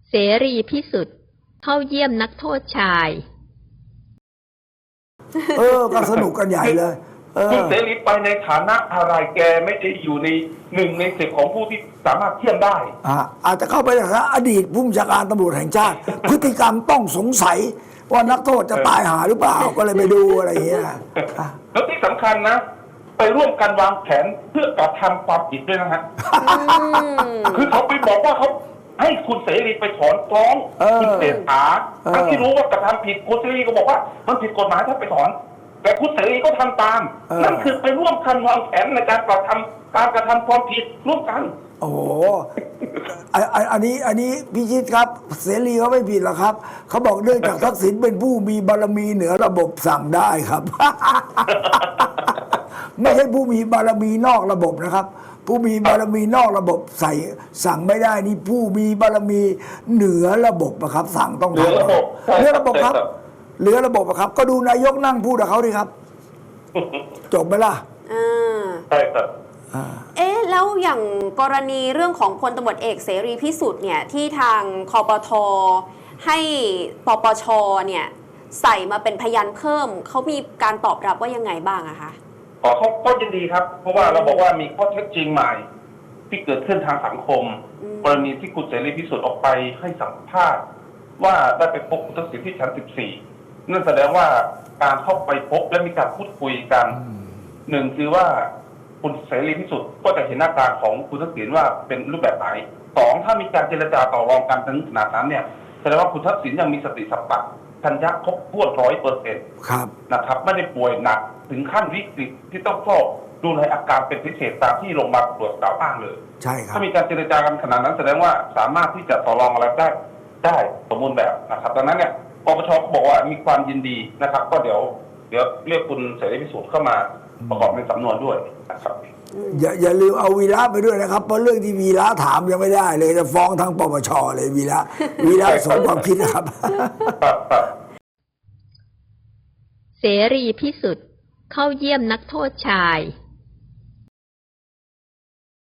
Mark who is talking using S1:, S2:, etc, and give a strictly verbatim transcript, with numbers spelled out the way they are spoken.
S1: เสรีพิสุทธิ์เข้าเยี่ยมนักโทษชาย
S2: เออก็สนุกกันใหญ่เลย
S3: คุณเสรีไปในฐานะอะไรแกไม่ได้อยู่ในหนึ่งในสิบของผู้ที่สามารถเทียมได้
S2: อ่าอาจจะเข้าไปนะอดีตผู้บัญชาการตำรวจแห่งชาติพฤติกรรมต้องสงสัยว่านักโทษจะตายหาหรือเปล่าก็เลยไปดูอะไรอย่างเงี้ย
S3: แล้วที่สำคัญนะไปร่วมกันวางแผนเพื่อกระทำความผิดด้วยนะฮะคือเขาไปบอกว่าเขาให้คุณเสรีไปถอนฟ้องคุณเศรษฐาทั้งที่รู้ว่ากระทำผิดคุณเสรีก็บอกว่ามันผิดกฎหมายถ้าไปถอนแต่คุณเสรีก็ทำตามนั่นคือไปร่วมกันวางแผนในการกระทำการกระทำความผิดร่วมกัน
S2: โอ้โหอันนี้อันนี้พิชิตครับเสรีเขาไม่ผิดหรอกครับเขาบอกเนื่องจากทักษิณเป็นผู้มีบารมีเหนือระบบสั่งได้ครับ ไม่ใช่ผู้มีบารมีนอกระบบนะครับผู้มีบารมีนอกระบบใส่สั่งไม่ได้นี่ผู้มีบารมีเหนือระบบนะครับ สั่งต้องทำเหนือระบบครับเหนือระบบครับก็ดูนายกนั่งพูดกับเขาดิครับจบไหมล่ะ
S3: ใช่ครับ
S4: เอ๊ะแล้วอย่างกรณีเรื่องของพลตำรวจเอกเสรีพิสุทธิ์เนี่ยที่ทางคปท.ให้ปปช.เนี่ยใส่มาเป็นพยานเพิ่มเขามีการตอบรับว่ายังไงบ้างอะคะ
S3: ขอเขาก็ยินดีครับเพราะว่าเราบอกว่ามีข้อเท็จจริงใหม่ที่เกิดขึ้นทางสังคมกรณีที่คุณเสรีพิสุทธิ์ออกไปให้สัมภาษณ์ว่าได้ไปพบคุณทักษิณที่ชั้นสิบสี่นั่นแสดงว่าการเข้าไปพบและมีการพูดคุยกันหนึ่งคือว่าคุณเสรีพิสุทธิ์ก็จะเห็นหน้าตาของคุณทักษิณว่าเป็นรูปแบบไหนสองถ้ามีการเจรจาต่อรองกันถึงขนาดนั้นเนี่ยแสดงว่าคุณทักษิณยังมีสติสัมปชัญญะครบถ้วนร้อยเปอร์เซ็นต์นะครับไม่ได้ป่วยหนักถึงขั้นวิกฤตที่ต้องเฝ้าดูแลอาการเป็นพิเศษตามที่โรงพยาบาลตรวจกล่าวอ้างเลย
S2: ใช่ครับ
S3: ถ้ามีการเจรจากันขนาดนั้นแสดงว่าสามารถที่จะต่อรองอะไรได้ได้สมบูรณ์แบบนะครับดังนั้นเนี่ยปปช.ก็บอกว่ามีความยินดีนะครับก็เดี๋ยวเดี๋ยวเรียกคุณเสรีพิสุทธิ์เข้ามาประกอบในสำนวนด้วยนะครับ
S2: อย่าอย่าลืมเอาวีระไปด้วยนะครับเพราะเรื่องที่วีระถามยังไม่ได้เลยจะฟ้องทั้งปปช.เลยวีระวีระสมความคิดนะครับ
S1: เสรีพิสุทธิ์เข้าเยี่ยมนักโทษชาย